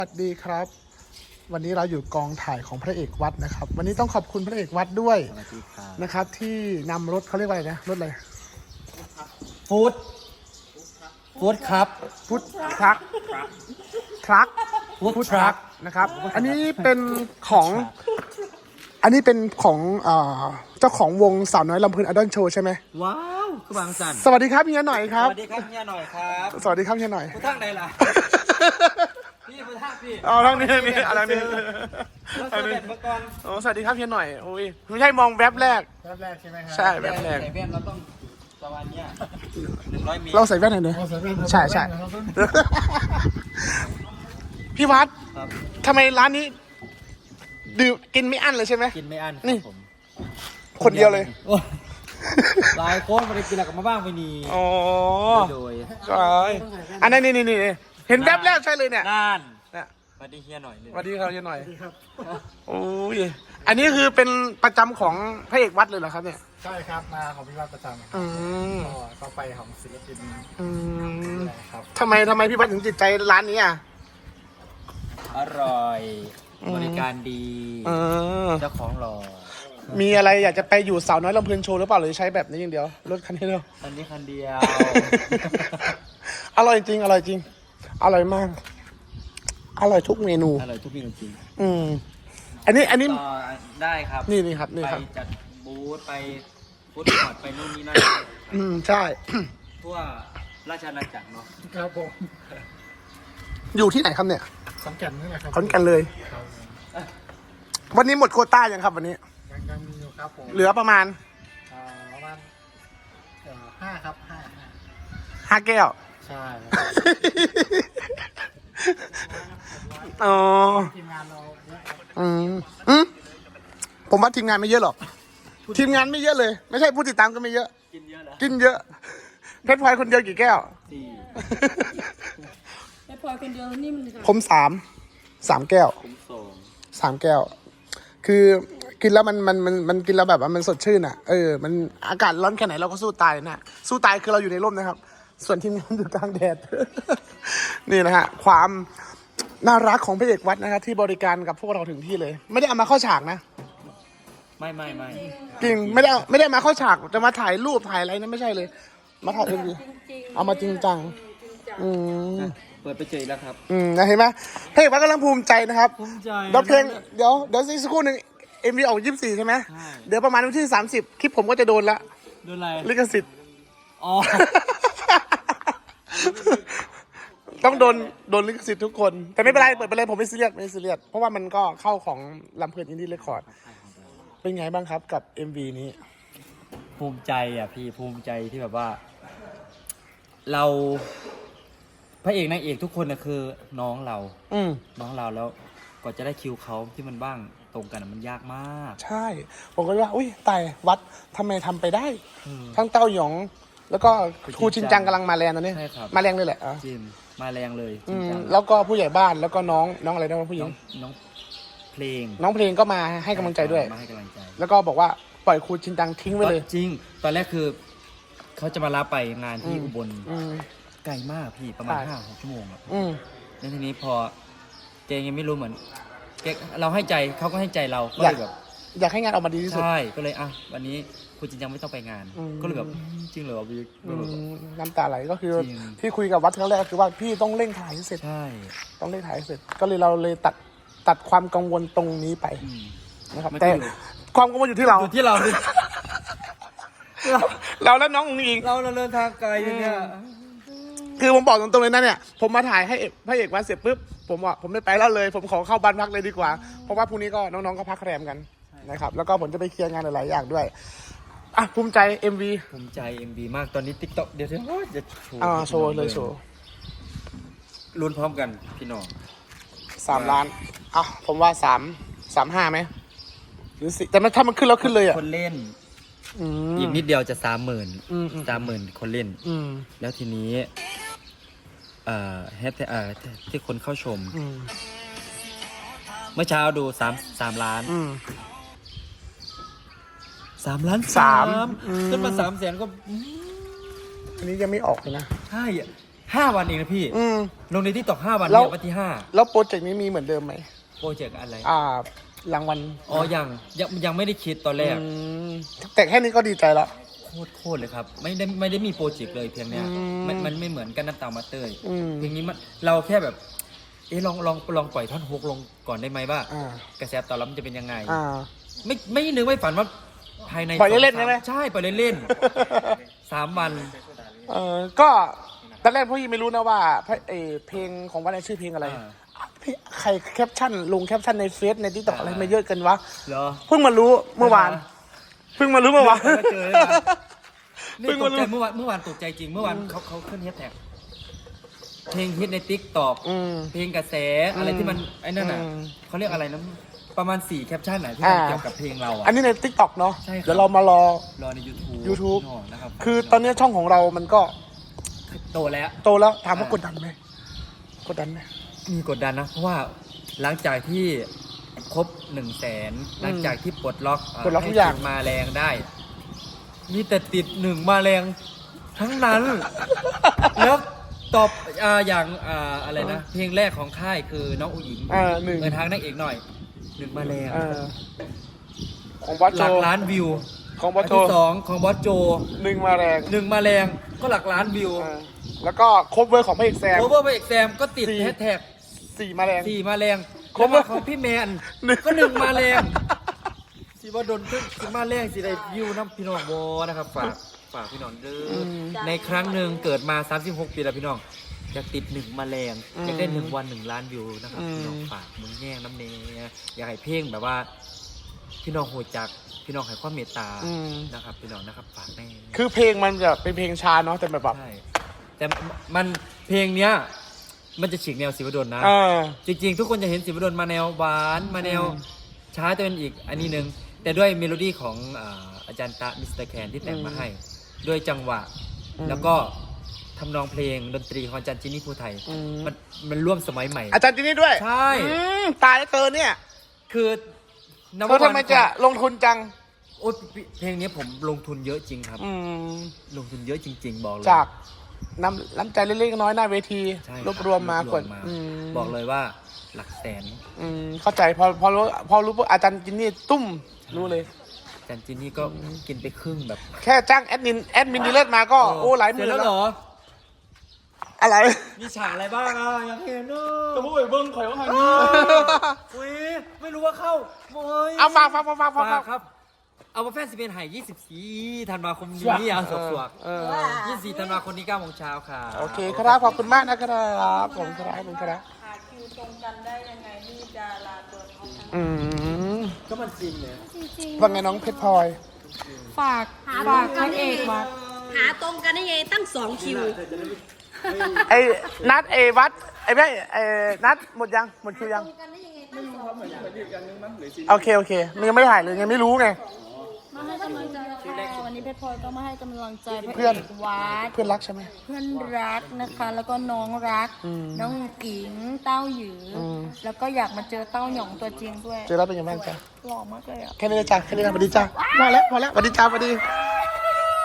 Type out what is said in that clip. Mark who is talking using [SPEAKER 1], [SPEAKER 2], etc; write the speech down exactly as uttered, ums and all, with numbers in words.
[SPEAKER 1] สวัสดีครับวันนี้เราอยู่กองถ่ายของพระเอกวัดนะครับวันนี้ต้องขอบคุณพระเอกวัดด้วยนะครับที่นำรถเขาเรียกว่าอะไรนะรถอะไร
[SPEAKER 2] ฟู้ดฟู้ดครับ
[SPEAKER 1] ฟู้ดทรัคทรัค
[SPEAKER 2] ฟู้ดทรัค
[SPEAKER 1] นะครับอันนี้เป็นของอันนี้เป็นของเจ้าของวงสาวน้อยลำพูนอดอนโชว์ใช่ไหม
[SPEAKER 2] ว้าวคือบางสัน
[SPEAKER 1] สวัสดีครับเฮียหน่อยครับ
[SPEAKER 2] สวัสดีครับเฮียหน่อยครับ
[SPEAKER 1] สวัสดีครับเฮียหน่อย
[SPEAKER 2] ผู้ทั้งใดล่ะพี่ผู้ทั้งพี่
[SPEAKER 1] เอาทั้งนี้นี่อะไรนี่
[SPEAKER 2] เราเสด็จมาก่อน
[SPEAKER 1] โอ้สวัสดีครับเฮียหน่อยโอ้ยไม่ใช่มองแวบแรก
[SPEAKER 2] แวบแรกใช่ไหมครับ
[SPEAKER 1] ใช่แวบแรก
[SPEAKER 2] ใส่แว่นเราต้องประมาณเนี้ยหนึ่งร้อยเมตร
[SPEAKER 1] เราใส่แว่นหน่อยเนอะใช่ใช่พี่วัดทำไมร้านนี้ดื่มกินไม่อั้นเลยใช่ไหม
[SPEAKER 2] กินไม่อั้น
[SPEAKER 1] นี่คนเดียวเลย
[SPEAKER 2] หลายคนมาได้กินแล้วก็มาบ้างไปนี่
[SPEAKER 1] อ๋อ
[SPEAKER 2] โดย
[SPEAKER 1] ใช่อันนี้นี่นี่เห็นแวบแรกใช่เลยเนี่ย
[SPEAKER 2] นั่นสวัสดีเฮียหน่อยเลย
[SPEAKER 1] สวัสดีครับเฮียหน่อยโอ้ยอันนี้คือเป็นประจำของพระเอกวัดเลยเหรอครับเนี่ย
[SPEAKER 3] ใช่ครับมาของพี่วัดประจำ
[SPEAKER 1] อืม
[SPEAKER 3] ก็ไปของศิลปิน
[SPEAKER 1] อืมทำไมทำไมพี่วัดถึงจิตใจร้านนี้อ่ะ
[SPEAKER 2] อร่อยบริการดีเจ้าของหล่อ
[SPEAKER 1] มีอะไรอยากจะไปอยู่สาวน้อยลำพูนโชว์หรือเปล่าหรือใช้แบบนี้อย่างเดียวรถคันนี้เดียว
[SPEAKER 2] คันนี้คันเดียว
[SPEAKER 1] อร่อยจริงอร่อยจริงอร่อยมากอร่อยทุกเมนู
[SPEAKER 2] อร่อยทุกเมนูจริง
[SPEAKER 1] อืมอันนี้อันนี้
[SPEAKER 2] ได้ครับ
[SPEAKER 1] นี่นี่ครับนี่ครับ
[SPEAKER 2] ไปจัดบูธไปฟู้ดคอร์ทไปนู่นนี่นั่น
[SPEAKER 1] อืมใช่
[SPEAKER 2] ทั่วราชอาณาจักรเนาะ
[SPEAKER 3] ครับผม
[SPEAKER 1] อยู่ที่ไหนครับเนี่ย
[SPEAKER 3] ขอนแก่นนี่แหละครับ
[SPEAKER 1] ขอนแก่นเลยวันนี้หมดโควต้ายังครับวันนี้
[SPEAKER 3] ยังยังมีอยู่ครับผม
[SPEAKER 1] เหลือประมาณ
[SPEAKER 3] ประมาณห้าครับห้า
[SPEAKER 1] ห้าแก้ว
[SPEAKER 3] ใช่
[SPEAKER 1] อ๋อ
[SPEAKER 3] ทีมงานเรา
[SPEAKER 1] อืมอืมผมว่าทีมงานไม่เยอะหรอกทีมงานไม่เยอะเลยไม่ใช่ผู้ติดตามก็ไม่เยอะ
[SPEAKER 2] กินเยอะเหรอ
[SPEAKER 1] กินเยอะเพชรพลอยคนเดียวกี่แก้ว
[SPEAKER 2] สี่
[SPEAKER 4] เพชรพลอยคนเดียวนี่มัน
[SPEAKER 1] ผมสามสามแก้ว
[SPEAKER 2] ผมสอง
[SPEAKER 1] สามแก้วคือกินแล้วมันมันมันมันกินแล้วแบบว่ามันสดชื่นอ่ะเออมันอากาศร้อนแค่ไหนเราก็สู้ตายนะสู้ตายคือเราอยู่ในร่มนะครับส่วนทีมงานอยู่กลางแดดนี่นะฮะความน่ารักของพระเอกวัดนะครับที่บริการกับพวกเราถึงที่เลยไม่ได้เอามาเข้าฉากนะ
[SPEAKER 2] ไม่ไม่ไม่
[SPEAKER 1] จริงไม่ได้ไม่ได้มาเข้าฉากจะมาถ่ายรูปถ่ายอะไรนั่นไม่ใช่เลยมาถ่ายเอ็มวีเอามาจริงจังอืม
[SPEAKER 2] เปิดไปเจอแล้วครับ
[SPEAKER 1] อืมนะเห็นไหมพระเอกวัดกำลังภูมิใจนะครับ
[SPEAKER 2] ภูมิใจ
[SPEAKER 1] เดี๋ยวเพลงเดี๋ยวเดี๋ยวสักครู่หนึ่งเอ็มวีออกยี่สิบสี่ใช่ไหมเดี๋ยวประมาณวันที่สามสิบคลิปผมก็จะโดนละ
[SPEAKER 2] โดนอะไร
[SPEAKER 1] ลิขสิทธิ์
[SPEAKER 2] อ๋อ
[SPEAKER 1] ต้องโดนโดนลิขสิทธิ์ทุกคนแต่ไม่เป็นไรเปิดไปเลยผมไม่ซีเรียสไม่ซีเรียสเพราะว่ามันก็เข้าของลำเพลินอินดี้เรคคอร์ดเป็นไงบ้างครับกับ เอ็ม วี นี้
[SPEAKER 2] ภูมิใจอ่ะพี่ภูมิใจที่แบบว่าเราพระเอกนางเอกทุกคนนะคือน้องเรา
[SPEAKER 1] อืม
[SPEAKER 2] น้องเราแล้วก่อนจะได้คิวเขาที่มันบ้างตรงกันมันยากมาก
[SPEAKER 1] ใช่ผมก็ว่าอุ้ยตายวัดทำไมทำไปได้ทั้งเต้าหยองแล้วก็ครูชินจังกำลังมาแรงตอนนี้มาแรงเลยแหละ
[SPEAKER 2] จิมมาแรงเลย
[SPEAKER 1] จริงจังแล้วก็ผู้ใหญ่บ้านแล้วก็น้องน้องอะไรนะผู้หญิง
[SPEAKER 2] น้องเพลง
[SPEAKER 1] น้องเพลงก็มาให้กำลังใจด้วย
[SPEAKER 2] มาให้กำลังใจ
[SPEAKER 1] แล้วก็บอกว่าปล่อยครูชินจังทิ้งไว้เลย
[SPEAKER 2] จริงตอนแรกคือเขาจะมารับไปงานที่อุบลไกลมากพี่ประมาณห้าหกชั่วโมงอ่ะแล้วทีนี้พอเจยังไม่รู้เหมือนเก๊เราให้ใจเขาก็ให้ใจเราก็เลยแบบ
[SPEAKER 1] อยากให้งานออกมาดีที่สุด
[SPEAKER 2] ใช่ก็เลยอ่ะวันนี้คุณจริงจังไม่ต้องไปงานก็เลยแบบจริงเหรอพี่
[SPEAKER 1] น้ำตาไหลก็คือที่คุยกับวัดครั้งแรกคือว่าพี่ต้องเร่งถ่ายให้เสร็จ
[SPEAKER 2] ใช่
[SPEAKER 1] ต้องเร่งถ่ายให้เสร็จก็เลยเราเลยตัดตัดความกังวลตรงนี้ไปนะครับแต่ความกังวลอยู่ที่เรา
[SPEAKER 2] อยู่ที่เรา
[SPEAKER 1] เราและน้องอุ้งอิง
[SPEAKER 2] เราเราเดินทางไกลเนี่ย
[SPEAKER 1] คือผมบอกตรงๆเลยนะเนี่ยผมมาถ่ายให้พระเอกวัดเสร็จปุ๊บผมบอกผมไม่ไปแล้วเลยผมขอเข้าบ้านพักเลยดีกว่าเพราะว่าพรุ่งนี้ก็น้องๆก็พักแรมกันนะครับแล้วก็ผมจะไปเคลียร์งานหลายๆอย่างด้วยอ่ะภูมิใจ เอ็ม วี
[SPEAKER 2] ภูมิใจ เอ็ม วี มากตอนนี้ TikTok เดี๋ยวเดี๋ยวจะโชว์
[SPEAKER 1] อ่าโชว์เลยโชว์
[SPEAKER 2] ลุ้นพร้อมกันพี่น้อง
[SPEAKER 1] สามล้านอ่ะผมว่าสามสามห้าไหมหรือสิแต่ถ้ามันขึ้นแล้วขึ้นเลยอ่ะ
[SPEAKER 2] คนเล่นอีกนิดเดียวจะสามหมื่นสามหมื่นคนเล่นแล้วทีนี้เอ่อแฮชเอ่อที่คนเข้าชมเมื่อเช้าดูสามสามล้านสามล้าน
[SPEAKER 1] สาม
[SPEAKER 2] ขึ้นมาสามแสนก็
[SPEAKER 1] อันนี้ยังไม่ออกเลยนะ
[SPEAKER 2] ใช่ห้าวันเองนะพี่
[SPEAKER 1] อืม
[SPEAKER 2] ลงในที่ตอกห้าวัน
[SPEAKER 1] แล้ว
[SPEAKER 2] เนี่ยวันที่ห้า
[SPEAKER 1] แล้วโปรเจกต์นี้มีเหมือนเดิมไหม
[SPEAKER 2] โปรเจกต์อะไร
[SPEAKER 1] อ่ารางวัล
[SPEAKER 2] อ๋อยังยังยังไม่ได้คิดตอนแรก
[SPEAKER 1] อืมแต่แค่นี้ก็ดีใจแล้ว
[SPEAKER 2] โคตรโคตรเลยครับ ไม่ได้ไม่ได้มีโปรเจกต์เลยเพียงเนี้ย
[SPEAKER 1] อืม
[SPEAKER 2] มันมันไม่เหมือนกันน้ำตามาเตย
[SPEAKER 1] อืม
[SPEAKER 2] เพลงนี้มันเราแค่แบบ เอะลองลองลองปล่อยท่อนฮุกลงก่อนได้ไหมว่า
[SPEAKER 1] อ่าก
[SPEAKER 2] ระแสตอบรับมันจะเป็นยังไง
[SPEAKER 1] อ่า
[SPEAKER 2] ไม่ไม่นึกไม่ฝันว่าภายใน
[SPEAKER 1] ปล่อยเล่นๆ
[SPEAKER 2] สง
[SPEAKER 1] ใช่ไหม
[SPEAKER 2] ใช่ปล่อยเล่นๆ สามวัน
[SPEAKER 1] เออก็ตอนแรกพวกยี่ไม่รู้นะว่าเพลงเอ่อเพลงของวันไหนชื่อเพลงอะไร
[SPEAKER 2] อ่า
[SPEAKER 1] พี่ใครแคปชั่นลงแคปชั่นในเฟซในทิกตอกอะไรมาเยอะกันวะ
[SPEAKER 2] เหรอ
[SPEAKER 1] เพิ่งมารู้เมื่อวาน เพิ่งมารู้เมื่อวาน
[SPEAKER 2] เพิ่งมาเจอเลยนะ นี่
[SPEAKER 1] เพิ่ง
[SPEAKER 2] ต
[SPEAKER 1] มาก รู้
[SPEAKER 2] ใจเมื่อวานเมื่อวานตกใจจริงเมื่อวานเขาเขาขึ้นแฮชแท็กเพลงฮิตในติ๊กตอก
[SPEAKER 1] อืม
[SPEAKER 2] เพลงกระแสอะไรที่มันไอ้นั่นน่ะ
[SPEAKER 1] อืม
[SPEAKER 2] เขาเรียกอะไรนะประมาณสี่แคปชั่นไหนที่มัน
[SPEAKER 1] อ่า
[SPEAKER 2] เกี่ยวกับเพลงเราอ่ะ
[SPEAKER 1] อันนี้ในทิกตอกเนาะ
[SPEAKER 2] ใช่ครับ
[SPEAKER 1] เดี๋ยวเรามารอ
[SPEAKER 2] รอใน YouTube
[SPEAKER 1] YouTube
[SPEAKER 2] พี่น้องนะครับ
[SPEAKER 1] คือตอนนี้ช่องของเรามันก็
[SPEAKER 2] โตแล้ว
[SPEAKER 1] โตแล้วถามว่า
[SPEAKER 2] อ่าก
[SPEAKER 1] ดดันไหมกดดันไหม
[SPEAKER 2] มีกดดันนะ เพราะว่าหลังจากที่ครบหนึ่งแสนหลังจากที่ปลดล็อกเ
[SPEAKER 1] ปลดล็อกทุกอย่าง
[SPEAKER 2] ให้ติดมาแรงได้ มีแต่ติดหนึ่งมาแรงทั้งนั้น แล้วตอบอ่าอย่างอ่าอะไรนะ เพลงแรกของค่ายคือน้องอุ๋งอิง
[SPEAKER 1] อ่าหนึ่ง
[SPEAKER 2] เงินทางนางเอกหน่อยหนึ่งมาแรง
[SPEAKER 1] เออของบอส
[SPEAKER 2] ห
[SPEAKER 1] โจ
[SPEAKER 2] ลักล้านวิว
[SPEAKER 1] ของบอส
[SPEAKER 2] อัน
[SPEAKER 1] โจ
[SPEAKER 2] ที่สองของบอสโจ
[SPEAKER 1] หนึ่งมาแรง
[SPEAKER 2] หนึ่งมาแรงก็หลักล้านวิว
[SPEAKER 1] เออแล้วก็ครบเวอร์ของพระเอกแซม
[SPEAKER 2] โอเวอร์ไปเอกแซมก็ติด
[SPEAKER 1] สี่
[SPEAKER 2] แฮชแท็ก
[SPEAKER 1] สี่มาแรง
[SPEAKER 2] สี่มาแรง
[SPEAKER 1] ครบ
[SPEAKER 2] แล้วก็ของพี่แมน
[SPEAKER 1] หนึ่ง
[SPEAKER 2] ก็หนึ่งมาแรงสิว่าโดนขึ้นสิมาแรงสิได้วิวน้ำพี่น้องโบนะครับฝากฝากพี่น้องเด้ออในครั้งหนึ่งเกิดมาสามสิบหกปีแล้วพี่น้องอยากติดหนึ่งมาแรงอยากได้หนึ่งวันหนึ่งล้านวิวนะครับพี่น้องฝากมึงแย่งน้ำเนยอยากให้เพลงแบบว่า พี่น้องโหจักพี่น้องให้ความเมตตา
[SPEAKER 1] อืม
[SPEAKER 2] นะครับพี่น้องนะครับฝากแน่
[SPEAKER 1] คือเพลงมันจะเป็นเพลงช้าเนาะแต่แบบแบบ
[SPEAKER 2] ใช่แต่มันเพลงเนี้ยมันจะฉีกแนวศิวดลนะ
[SPEAKER 1] เออ
[SPEAKER 2] จริงๆ ทุกคนจะเห็นศิวดลมาแนวหวานมาแนว
[SPEAKER 1] อืม
[SPEAKER 2] ช้าจะเป็นอีกอันนี้หนึ่งแต่ด้วยเมโลดี้ของอ่าอาจารย์ตะมิสเตอร์แคนที่แต่งมาให้ ด้วยจังหวะ
[SPEAKER 1] อืม
[SPEAKER 2] แล้วก็ทำนองเพลงดนตรีของอาจารย์จินนี่ภูไทย
[SPEAKER 1] อืม
[SPEAKER 2] มันมันร่วมสมัยใหม่
[SPEAKER 1] อาจารย์จินนี่ด้วย
[SPEAKER 2] ใช่
[SPEAKER 1] อืมตายแล้วเธอเนี่ย
[SPEAKER 2] คือ
[SPEAKER 1] เธอทำไมจะลงทุนจัง
[SPEAKER 2] โอ้ยเพลงนี้ผมลงทุนเยอะจริงครับ
[SPEAKER 1] อืม
[SPEAKER 2] ลงทุนเยอะจริง ๆ บอกเลย
[SPEAKER 1] จากน้ำน้ำใจเล็กๆน้อยๆหน้าเวที
[SPEAKER 2] ใช่
[SPEAKER 1] รวบรวมมาร ก
[SPEAKER 2] ว
[SPEAKER 1] ด
[SPEAKER 2] บรวม
[SPEAKER 1] อืม
[SPEAKER 2] บอกเลยว่าหลักแสน
[SPEAKER 1] อืมเข้าใจพอพอรู้พอรู้ปุ๊บอาจารย์จินนี่ตุ้มรู้เลย
[SPEAKER 2] อาจารย์จินนี่ก็กินไปครึ่งแบบ
[SPEAKER 1] แค่จ้างแอดมินแอดมินดีเลิศมาก็โอ้หลายหมื่น
[SPEAKER 2] เสร็จแล้วเหรอ
[SPEAKER 1] อะไร
[SPEAKER 2] มีฉากอะไรบ้างอ่ะอยากเห็นเนอะ
[SPEAKER 1] จะพูดไปเบิ้งข่อยว่าไง
[SPEAKER 2] อุ้ยไม่รู้ว่าเข้าโอ้ย
[SPEAKER 1] เอาฝากฝากฝากฝากฝาก
[SPEAKER 2] ฝากครับ เอามาแฟนสิเป็นไห่ยี่สิบสี่ธันวาคมนี้อ่ะสวกสวก
[SPEAKER 1] เออ
[SPEAKER 2] ยี่สิบสี่ธันวาคมนี้เก้าโมงเช้าค่ะ
[SPEAKER 1] โอเคครับขอบคุณมากนะครับผมครับผมครับ
[SPEAKER 4] หาคิวตรงกันได้ยังไงที่จะลาตัวเขาทั้ง
[SPEAKER 1] อืม
[SPEAKER 2] ก็มันจริงเลย
[SPEAKER 4] จริง
[SPEAKER 1] ว่าไงน้องเพชรพลอย
[SPEAKER 4] ๆฝาก
[SPEAKER 5] หา
[SPEAKER 4] ฝาก
[SPEAKER 5] ตรงกั
[SPEAKER 4] พ
[SPEAKER 5] น
[SPEAKER 4] ระเอกมา
[SPEAKER 5] หาตรงกันได้ไงตั้งสองคิว
[SPEAKER 1] ไอ้นัดไอ้วัดไอ้แม่ไอ้นัดหมดยังหมดคิวยัง
[SPEAKER 5] กันได้ยังไงตั้งสองคิว
[SPEAKER 1] โอเคโอเคมันยังไม่ถ่ายเลยยังไม่รู้ไง
[SPEAKER 4] มาให้กำลังใจค่ะวันนี้เพชรพลอยก็มาให้กำลังใจพระ
[SPEAKER 1] เพื่อน
[SPEAKER 4] เอกวัด
[SPEAKER 1] เพื่อนรักใช่ไหม
[SPEAKER 4] เพื่อนรักนะคะ แล้วก็น้องรัก
[SPEAKER 1] อืม
[SPEAKER 4] น้องอิงเต้าหยืออ
[SPEAKER 1] ม
[SPEAKER 4] แล้วก็อยากมาเจอเต้าหยองตัวจริงด้วย
[SPEAKER 1] เจอแล้วเป็นยังไงบ้างจ๊ะ
[SPEAKER 4] หล่อมากเลยอ่ะ
[SPEAKER 1] แค่นี้เลยจ้ะแค่นี้นะสวัสดีจ้ะพอแล้วพอแล้วสวัสดีจ้าสวัสดี
[SPEAKER 4] ส